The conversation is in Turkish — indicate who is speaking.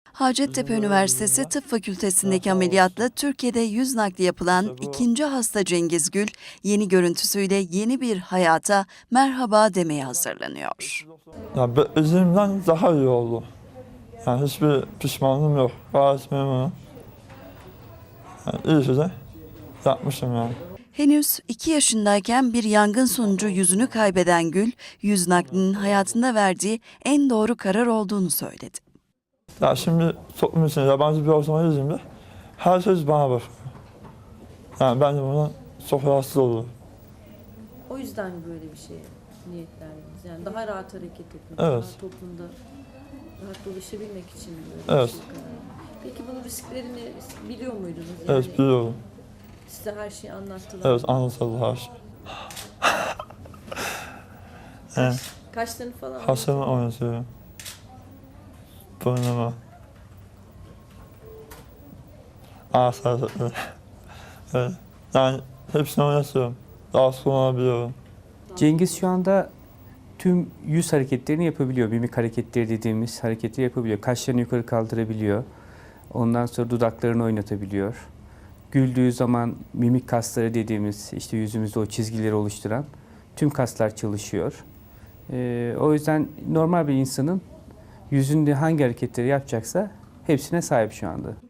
Speaker 1: Hacettepe Üniversitesi Tıp Fakültesindeki ameliyatla Türkiye'de yüz nakli yapılan ikinci hasta Cengiz Gül, yeni görüntüsüyle yeni bir hayata merhaba demeye hazırlanıyor.
Speaker 2: Ya beklediğimden daha iyi oldu. Yani hiçbir pişmanlığım yok. Gayet memnunum. Yani iyi ki de yapmışım yani.
Speaker 1: Henüz 2 yaşındayken bir yangın sonucu yüzünü kaybeden Gül, yüz naklinin hayatında verdiği en doğru karar olduğunu söyledi.
Speaker 2: Ya şimdi toplum içinde yabancı bir ortama girdiğimde herkes bana bakıyor. Yani ben de bundan çok rahatsız olurum.
Speaker 3: O yüzden böyle bir şey niyetlendiniz. Yani daha rahat hareket etmek,
Speaker 2: Evet.
Speaker 3: daha toplumda rahat dolaşabilmek için böyle
Speaker 2: Evet.
Speaker 3: bir şey karar. Peki bunun risklerini biliyor muydunuz?
Speaker 2: Evet, biliyorum.
Speaker 3: Size her şeyi anlattılar.
Speaker 2: Evet, anlatıldı her şey. Evet,
Speaker 3: Kaşlarını falan
Speaker 2: Hasan'ı oynatıyorum. Burnumu. Ağız hareketleri. Evet. Yani hepsini oynatıyorum. Rahatsız kullanabiliyorum.
Speaker 4: Cengiz şu anda tüm yüz hareketlerini yapabiliyor. Mimik hareketleri dediğimiz hareketleri yapabiliyor. Kaşlarını yukarı kaldırabiliyor. Ondan sonra dudaklarını oynatabiliyor. Güldüğü zaman mimik kasları dediğimiz işte yüzümüzde o çizgileri oluşturan tüm kaslar çalışıyor. O yüzden normal bir insanın yüzünde hangi hareketleri yapacaksa hepsine sahip şu anda.